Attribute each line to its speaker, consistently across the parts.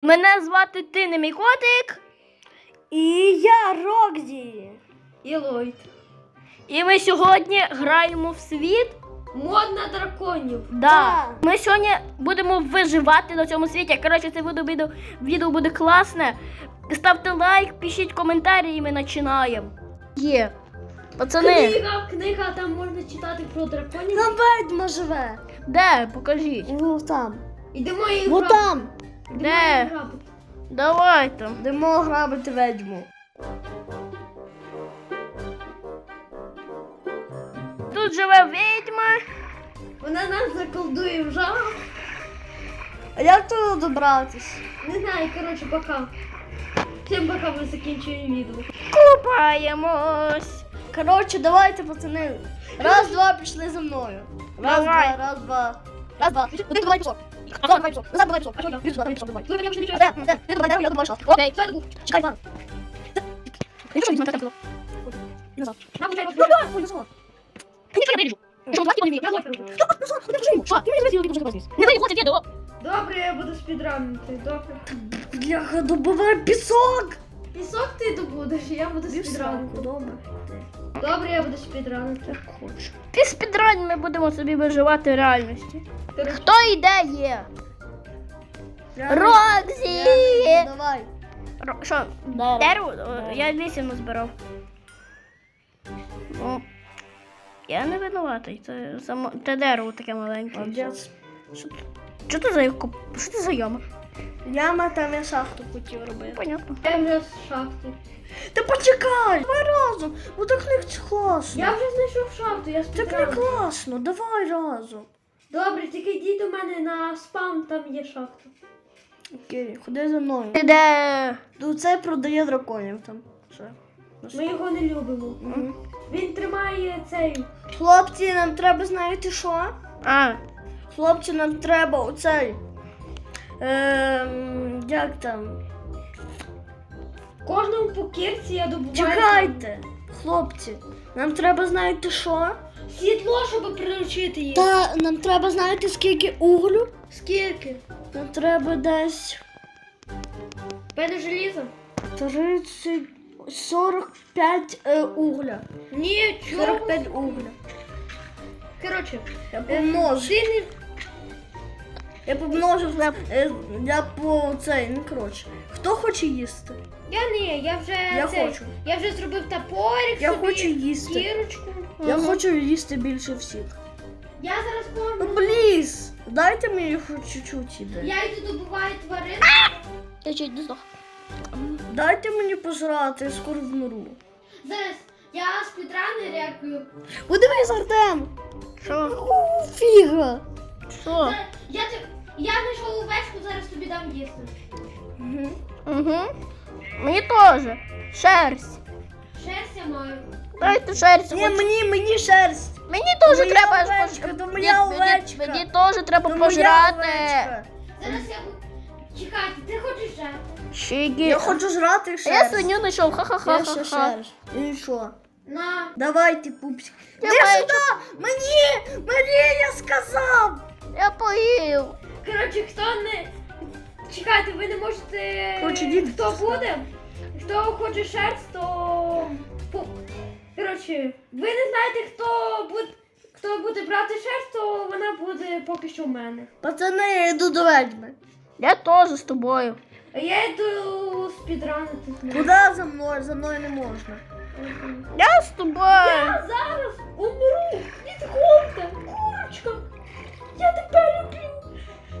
Speaker 1: Мене звати Ти не мій котик.
Speaker 2: І я Рокзі.
Speaker 3: І Ллойд.
Speaker 1: І ми сьогодні граємо в світ.
Speaker 3: Мод на драконів.
Speaker 1: Да. Ми сьогодні будемо виживати на цьому світі. Коротше, це відео буде класне. Ставте лайк, пишіть коментарі і ми починаємо. Є. Пацани.
Speaker 3: Книга, там можна читати про драконів.
Speaker 2: Там ведьма живе.
Speaker 1: Де? Покажіть.
Speaker 2: Ну там.
Speaker 3: Ідемо її
Speaker 2: Ну
Speaker 3: грабити.
Speaker 2: там.
Speaker 1: Де? Давайте.
Speaker 2: Йдемо грабити ведьму.
Speaker 1: Тут живе відьма.
Speaker 3: Вона нас заколдує в жах.
Speaker 2: А як туди добратись?
Speaker 3: Не знаю, коротше, пока. Всім пока, ми закінчуємо відео.
Speaker 1: Купаємось.
Speaker 2: Коротше, давайте, пацани. Раз, два, пішли за мною. Раз,
Speaker 1: Давай.
Speaker 2: два, раз, два. Раз, два. Один, давай, пішов. Давай, пішов. Назад, давай, пішов. А що я? Біжу, давай, пішов, давай. Де? Ти давай, я добавиш.
Speaker 1: Окей.
Speaker 2: Чекай, Іван. Я що, візьму, я тебе назад. Ой, назад. Я не виріжу. Що, давай, я не вірю. Назад, куди вже? Що? Ти мені вже не
Speaker 1: Не виходить відео.
Speaker 3: Добре, я буду спідранити, добре.
Speaker 2: Бляха, добивай пісок.
Speaker 3: Пісок ти добудеш, я буду спідранити.
Speaker 2: Добре.
Speaker 3: Добре, я буду спідранити.
Speaker 2: Хочу.
Speaker 1: Під спідрань ми будемо собі виживати в реальності. Хто йде є? Рокзі!
Speaker 2: Давай.
Speaker 1: Що? Дерево? Я 8 назбирав. Ну, я не винуватий. Це дерево таке маленьке.
Speaker 2: Молодець.
Speaker 1: Що це за Що це за яма?
Speaker 2: Яма, там я шахту хотів робити.
Speaker 1: Понятно.
Speaker 3: Я вже з шахти.
Speaker 2: Та почекай! Давай разом! Бо так не класно.
Speaker 3: Я вже знайшов шахту, я
Speaker 2: Так не
Speaker 3: спідраню.
Speaker 2: класно, давай разом.
Speaker 3: Добре, тільки йди до мене на спам, там є шахта.
Speaker 2: Окей, ходи за мною.
Speaker 1: Ти де?
Speaker 2: Тут це продає драконів там. Що?
Speaker 3: Ми його не любимо.
Speaker 2: Мгм.
Speaker 3: Він тримає цей.
Speaker 2: Хлопці, нам треба, знаєте що?
Speaker 1: А,
Speaker 2: Хлопці, нам треба оцей. Як там?
Speaker 3: Кожному по кірці я добуваю.
Speaker 2: Чекайте! Хлопці, нам треба, знаєте що?
Speaker 3: Сідло, щоб приручити їх.
Speaker 2: Та нам треба, знаєте, скільки углю?
Speaker 3: Скільки?
Speaker 2: Нам треба десь
Speaker 3: Пене желізо?
Speaker 2: 30, 45 угля.
Speaker 3: Ні, чого?
Speaker 2: 45 угля.
Speaker 3: Коротше,
Speaker 2: Я помножу.
Speaker 3: ти не...
Speaker 2: Я помножив на я по цей, ну коротше. Хто хоче їсти?
Speaker 3: Я не, я вже
Speaker 2: Я
Speaker 3: цей,
Speaker 2: хочу.
Speaker 3: Я вже зробив топорик
Speaker 2: Я
Speaker 3: собі,
Speaker 2: хочу їсти.
Speaker 3: кірочку.
Speaker 2: Я хочу їсти більше всіх.
Speaker 3: Я зараз
Speaker 2: Ну
Speaker 3: можу.
Speaker 2: пліз, дайте мені хоч чуть-чуть іде.
Speaker 3: Я йду добуваю тварин.
Speaker 1: я чуть не здох.
Speaker 2: Дайте мені пожрати, я скоро вмру.
Speaker 3: Зараз я спідрани реагую.
Speaker 2: Подивись, Артем!
Speaker 1: Що?
Speaker 2: Фіга!
Speaker 1: Що?
Speaker 3: Я знайшов овечку, зараз тобі дам їсти.
Speaker 1: Угу. Мені теж. Шерсть.
Speaker 3: Шерсть я маю.
Speaker 1: Дайте шерсть.
Speaker 2: Ні, мені шерсть!
Speaker 1: Мені теж
Speaker 2: моя
Speaker 1: треба
Speaker 2: овечка,
Speaker 1: пож-
Speaker 2: то моя
Speaker 1: Ні,
Speaker 2: овечка.
Speaker 1: Мені теж треба
Speaker 2: То моя
Speaker 1: пожрати.
Speaker 2: овечка.
Speaker 3: Зараз я буду... Чекайте, ти хочеш жати?
Speaker 1: Щіки.
Speaker 2: Я хочу жрати
Speaker 1: А
Speaker 2: шерсть.
Speaker 1: я свиню знайшов.
Speaker 2: Я ще
Speaker 1: Ха-ха-ха.
Speaker 2: шерсть. І що?
Speaker 3: На.
Speaker 2: Давайте, пупсик.
Speaker 1: Я
Speaker 2: Іди
Speaker 1: бачу.
Speaker 2: сюди! Мені, я сказав!
Speaker 1: Я поїв.
Speaker 3: Коротше, хто не... Чекайте, ви не можете...
Speaker 2: Коротше, дід.
Speaker 3: Хто буде? Хто хоче шерсть, то... Коротше, ви не знаєте, хто буде брати шерсть, то вона буде поки що в мене.
Speaker 2: Пацани, я йду до ведьми.
Speaker 1: Я теж з тобою.
Speaker 3: А я йду спідранити.
Speaker 2: Куди за мною? За мною не можна.
Speaker 1: Я з тобою.
Speaker 3: Я зараз умру. Відходьте, курочка. Я тебе люблю.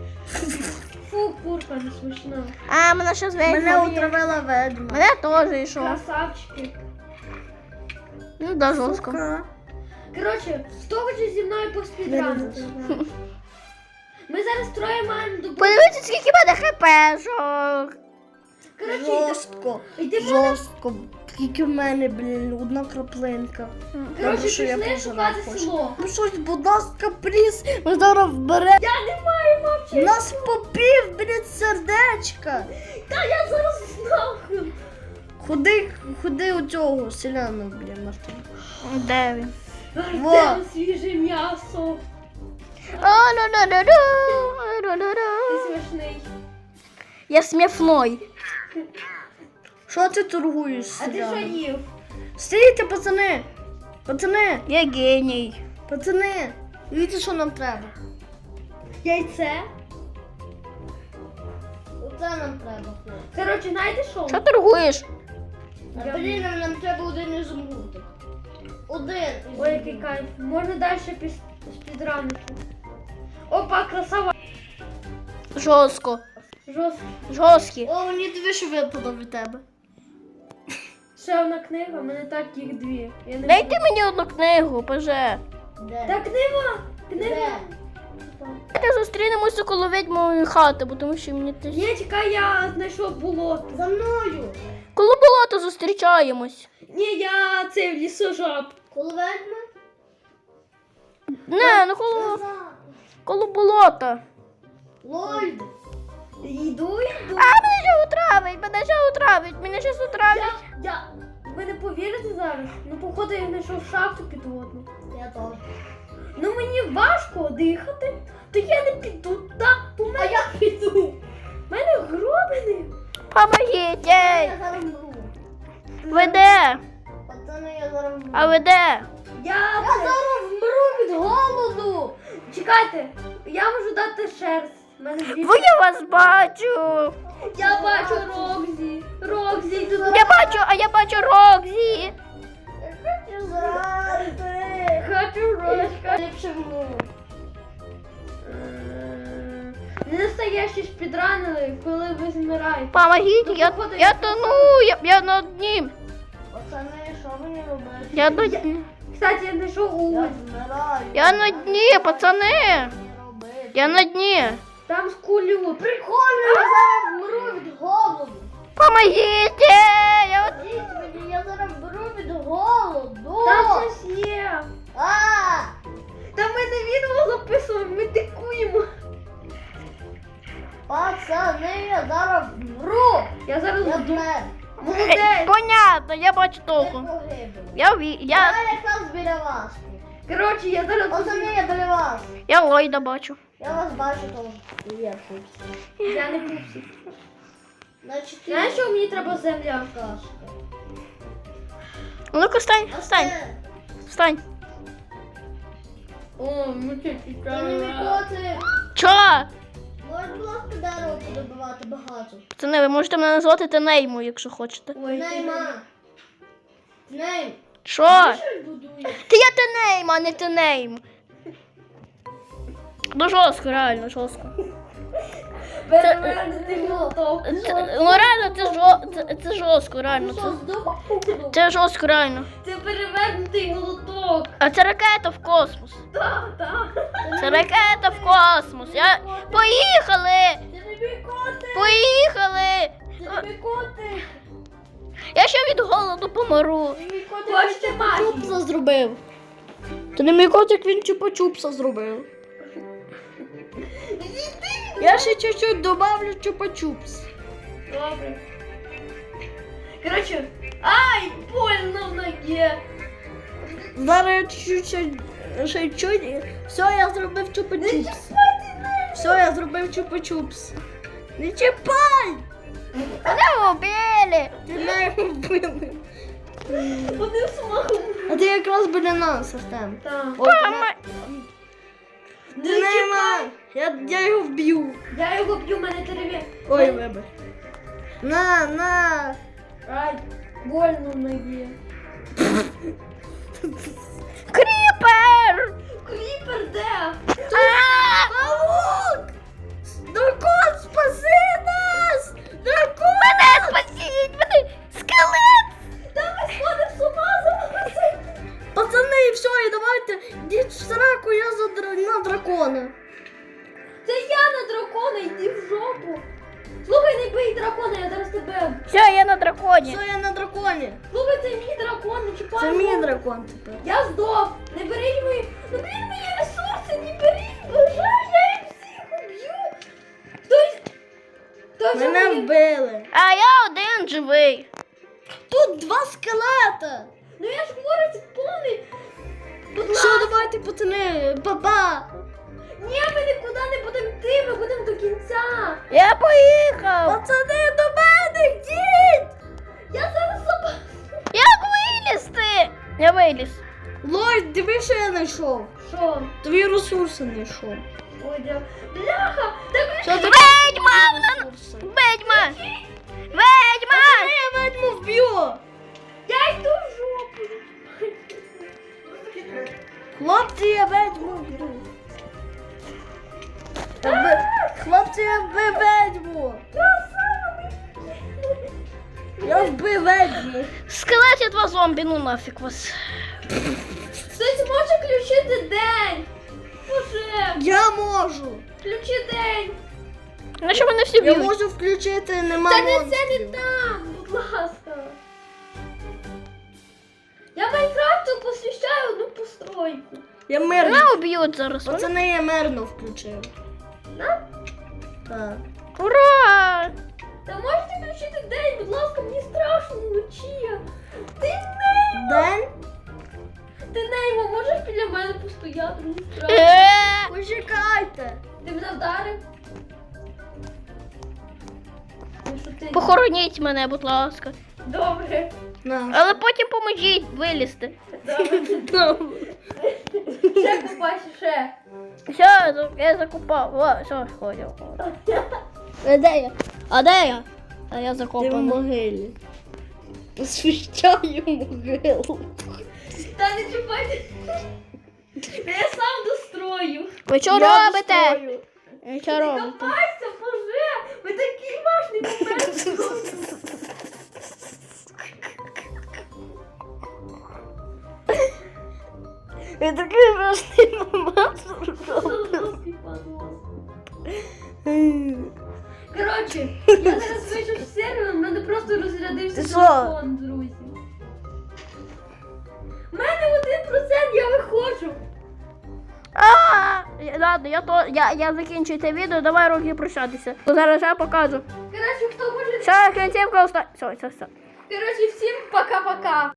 Speaker 3: Фу, курка не смішна.
Speaker 1: А, мене ще зведь.
Speaker 2: Мене отравила ведьма.
Speaker 1: Мене теж йшов.
Speaker 3: Красавчики.
Speaker 1: Ну, да, жорстко.
Speaker 2: Сука.
Speaker 3: Коротше, хто хоче зі мною поспідранити? Ми зараз троє маємо добути.
Speaker 1: Подивіться, скільки в мене хпшок.
Speaker 3: Коротше,
Speaker 2: Жорстко.
Speaker 3: йдемо.
Speaker 2: Жорстко. Тільки в мене, блін, одна краплинка.
Speaker 3: Коротше,
Speaker 2: що я
Speaker 3: пішли
Speaker 2: пожрав
Speaker 3: шукати
Speaker 2: хочу.
Speaker 3: село.
Speaker 2: Ну щось, будь ласка, пліз, ми зараз вберемо.
Speaker 3: Я не маю мовчати.
Speaker 2: Нас попів, блін, сердечка.
Speaker 3: Та я зараз нахуй.
Speaker 2: Ходи у цього селяна, блін, Мартин.
Speaker 1: Де він?
Speaker 2: Во.
Speaker 3: Артем, свіже м'ясо.
Speaker 1: О, ну, ну, ну, ну, ну, ну,
Speaker 3: Ти
Speaker 1: ну.
Speaker 3: смішний.
Speaker 1: Я смішной.
Speaker 2: Що ти торгуєш?
Speaker 3: А ти що їв?
Speaker 2: Стійте, пацани! Пацани!
Speaker 1: Я геній.
Speaker 2: Пацани! Дивіться, що нам треба.
Speaker 3: Яйце.
Speaker 2: Оце нам треба.
Speaker 3: Коротше, знаєте що?
Speaker 1: Що торгуєш?
Speaker 2: А блін, нам треба один ізумрудик. Один.
Speaker 3: Ой, який кайф. Можна далі спідранити. Опа, красава.
Speaker 1: Жорстко.
Speaker 3: Жорстко.
Speaker 1: Жорсткі.
Speaker 2: О, мені дві що випало від тебе.
Speaker 3: Ще одна книга, в мене так їх дві. Я не
Speaker 1: Дайте мені одну книгу, поже.
Speaker 2: Де?
Speaker 3: Та книга! Книга!
Speaker 1: Давайте зустрінемося коло відьмової хати, бо тому що мені теж...
Speaker 3: Ні, чекай, я знайшов болото.
Speaker 2: За мною.
Speaker 1: Коло болота зустрічаємось.
Speaker 3: Ні, я це в лісожаб.
Speaker 2: Коло ведьми?
Speaker 1: Не, ну коло болота.
Speaker 2: Лольд.
Speaker 3: Йду.
Speaker 1: А, мене ще отравить, мене ще отравить.
Speaker 3: Ви не повірите зараз? Ну, походу, я знайшов шахту підводну.
Speaker 2: Я теж.
Speaker 3: Ну, мені важко дихати, то я не піду туди,
Speaker 2: А я піду.
Speaker 3: У мене гробини.
Speaker 1: Помогіть,
Speaker 2: Я
Speaker 1: ей.
Speaker 2: зараз мру.
Speaker 1: Ви де?
Speaker 2: Пацани, я зараз мру.
Speaker 1: А ви де?
Speaker 3: Я
Speaker 2: зараз вмру від голоду.
Speaker 3: Чекайте, я можу дати шерсть. У мене дві.
Speaker 1: Бо я вас бачу.
Speaker 3: Я бачу Рокзі. Рокзі, тут.
Speaker 1: Я бачу Рокзі.
Speaker 2: Я хочу зрати.
Speaker 3: Хочу Рокзі.
Speaker 2: Ліпше вмру.
Speaker 3: Не настоящі спідранили, коли ви змираєте.
Speaker 1: Помогіть,
Speaker 3: Ну,
Speaker 1: я
Speaker 3: походу,
Speaker 1: тону, я на дні.
Speaker 2: Пацани, що мені робити?
Speaker 1: Я на дні.
Speaker 3: Кстати, я знайшов
Speaker 2: Я
Speaker 3: уголь.
Speaker 2: вмираю.
Speaker 1: Я на дні, пацани.
Speaker 2: Мені робити?
Speaker 1: Я на дні.
Speaker 3: Там скулю.
Speaker 2: Прикольно, я зараз вмру від голоду.
Speaker 1: Помогіть! Я...
Speaker 2: Ідіть мені, я зараз вмру від голоду.
Speaker 3: Там щось є.
Speaker 2: А!
Speaker 3: Та ми не відео записуємо, ми дикуємо.
Speaker 2: Пацани, я зараз вмру.
Speaker 3: Я зараз
Speaker 2: Я
Speaker 3: жду.
Speaker 2: вмер.
Speaker 3: Молодець.
Speaker 1: Понятно, я бачу
Speaker 2: Я
Speaker 1: того.
Speaker 2: погибав.
Speaker 1: Я
Speaker 2: Я якраз біля вас.
Speaker 3: Коротше, я зараз
Speaker 2: Пацани, я біля вас.
Speaker 1: я Ллойда бачу.
Speaker 2: Я вас бачу, то є тут.
Speaker 3: Я не пупсі.
Speaker 2: Значить,
Speaker 3: Знаєш, що мені треба земля?
Speaker 2: кашка.
Speaker 1: Ну-ка, встань, встань, встань.
Speaker 3: О, ми це
Speaker 2: Ти не мікоти.
Speaker 1: Чо?
Speaker 2: Можеш, будь ласка, дерево подобивати багато.
Speaker 1: Пацани, ви можете мене назвати Тенеймою, якщо хочете.
Speaker 3: Ой,
Speaker 2: Нейма. Нейм.
Speaker 1: Що?
Speaker 2: Що будуєш?
Speaker 1: Та я Тенейм, а не Тенейм. Ну жорстко, реально, жорстко.
Speaker 3: перевернути молоток.
Speaker 1: Ну реально, це жорстко, реально.
Speaker 2: Що, здобув?
Speaker 1: Це жорстко, реально.
Speaker 3: Це перевернутий молоток.
Speaker 1: А це ракета в космос.
Speaker 3: Так, так.
Speaker 1: Це ракета в космос. Поїхали!
Speaker 3: Це не мікоти.
Speaker 1: Поїхали!
Speaker 3: Це не мікоти.
Speaker 1: Я ще від голоду помру.
Speaker 3: Хочете магію?
Speaker 2: Чупса зробив. То не мій котик, він чупа-чупса зробив. Я ще чуть-чуть добавлю чупа-чупс.
Speaker 3: Добре. Коротше, ай, больно в ногі.
Speaker 2: Зараз я чуть-чуть, ще чуть. Все, я зробив чупа-чупс. Все, я зробив чупа-чупс. Не чіпай!
Speaker 1: Мене вбили!
Speaker 2: Ти мене вбили.
Speaker 3: Вони смахом.
Speaker 2: А ти якраз біля нас, Артем.
Speaker 3: Так.
Speaker 2: Ой,
Speaker 3: Не
Speaker 2: ти нема. Я його вб'ю.
Speaker 3: Я його б'ю, мене тереві.
Speaker 2: Ой, вибач. На.
Speaker 3: Ай, больно в ногі.
Speaker 1: Кріпер!
Speaker 3: Кріпер де?
Speaker 2: Паук! Дракон, спаси нас! Дракон!
Speaker 1: Мене спасіть! Мене скелет!
Speaker 3: Та ми сходимо з ума зараз.
Speaker 2: Пацани, все, і давайте, йдіть в сраку, я на дракона.
Speaker 3: Це я на дракона, йди в жопу. Слухай, не бий дракона, я зараз тебе.
Speaker 1: Все, я на драконі.
Speaker 2: Все, я на драконі.
Speaker 3: Слухай, це мій дракон, не чіпай.
Speaker 2: Це мій
Speaker 3: його.
Speaker 2: дракон тепер.
Speaker 3: Я здох. Не беріть мої. Ну блін, мої ресурси, не беріть. Бажаю, я їх всіх уб'ю. Хтось
Speaker 2: Мене
Speaker 3: мені-
Speaker 2: вбили.
Speaker 1: А я один живий.
Speaker 2: Тут два скелета.
Speaker 3: Ну я ж говорю, це повний. Будь
Speaker 2: Все,
Speaker 3: ласка.
Speaker 2: давайте, пацани, па-па.
Speaker 3: Ні, ми нікуди не будемо йти, ми будемо до кінця.
Speaker 1: Я поїхав!
Speaker 3: Пацани, до мене йдіть! Я зараз забув.
Speaker 1: Як вилізти? Я виліз.
Speaker 2: Лорд, диви, що я знайшов.
Speaker 3: Що?
Speaker 2: Твої ресурси знайшов.
Speaker 3: Ой, бляха! Так
Speaker 2: Що ти?
Speaker 1: Ведьма! Ведьма! Ведьма!
Speaker 2: Я ведьму вб'ю.
Speaker 3: я йду в жопу.
Speaker 2: Хлопці, я ведьму вб'ю. Хлопці, я вбив ведьму. Я вбив ведьму.
Speaker 1: Скелет два зомбі, ну нафіг вас.
Speaker 3: Хтось може включити день? Боже,
Speaker 2: Я можу.
Speaker 3: включи день.
Speaker 1: Ну що вони всі
Speaker 2: Я
Speaker 1: б'ють?
Speaker 2: можу включити, нема
Speaker 3: Та не це
Speaker 2: монстрів.
Speaker 3: не там, будь ласка. Я Майнкрафту посвящаю одну постройку.
Speaker 2: Я мирно.
Speaker 1: Мене уб'ють зараз.
Speaker 2: Пацани, я мирно включив.
Speaker 3: На?
Speaker 2: Так.
Speaker 1: Ура!
Speaker 3: Та можете включити день, будь ласка, мені страшно вночі. Ти Неймо,
Speaker 2: День?
Speaker 3: ти Неймо, можеш біля мене постояти? Мені страшно.
Speaker 2: Почекайте.
Speaker 3: Ти мене вдарив? Ну, що ти?
Speaker 1: Похороніть мене, будь ласка.
Speaker 3: Добре.
Speaker 2: На.
Speaker 1: Але потім поможіть вилізти.
Speaker 3: Добре. Ще купайся, ще.
Speaker 1: Все, я закопав. О, все, ходив. Де я? А де я? А я
Speaker 2: Ти в
Speaker 1: закопаний.
Speaker 2: могилі. Освіщаю могилу.
Speaker 3: Та не чіпайте. Я сам дострою.
Speaker 1: Ви що
Speaker 2: Я
Speaker 1: робите?
Speaker 2: дострою.
Speaker 1: Ви що робите?
Speaker 3: Копайся, боже! Ви такий важний момент.
Speaker 2: Я такий важний момент.
Speaker 3: Коротше, я зараз вийшов з серверу, в мене просто розрядився
Speaker 2: Ти що?
Speaker 3: телефон, друзі. У мене 1%, я виходжу.
Speaker 1: Ладно, я закінчую це відео, давай руки прощатися. Зараз я покажу.
Speaker 3: Коротше, хто хоче...
Speaker 1: Все, кінцівка остання. Все.
Speaker 3: Коротше, всім пока-пока.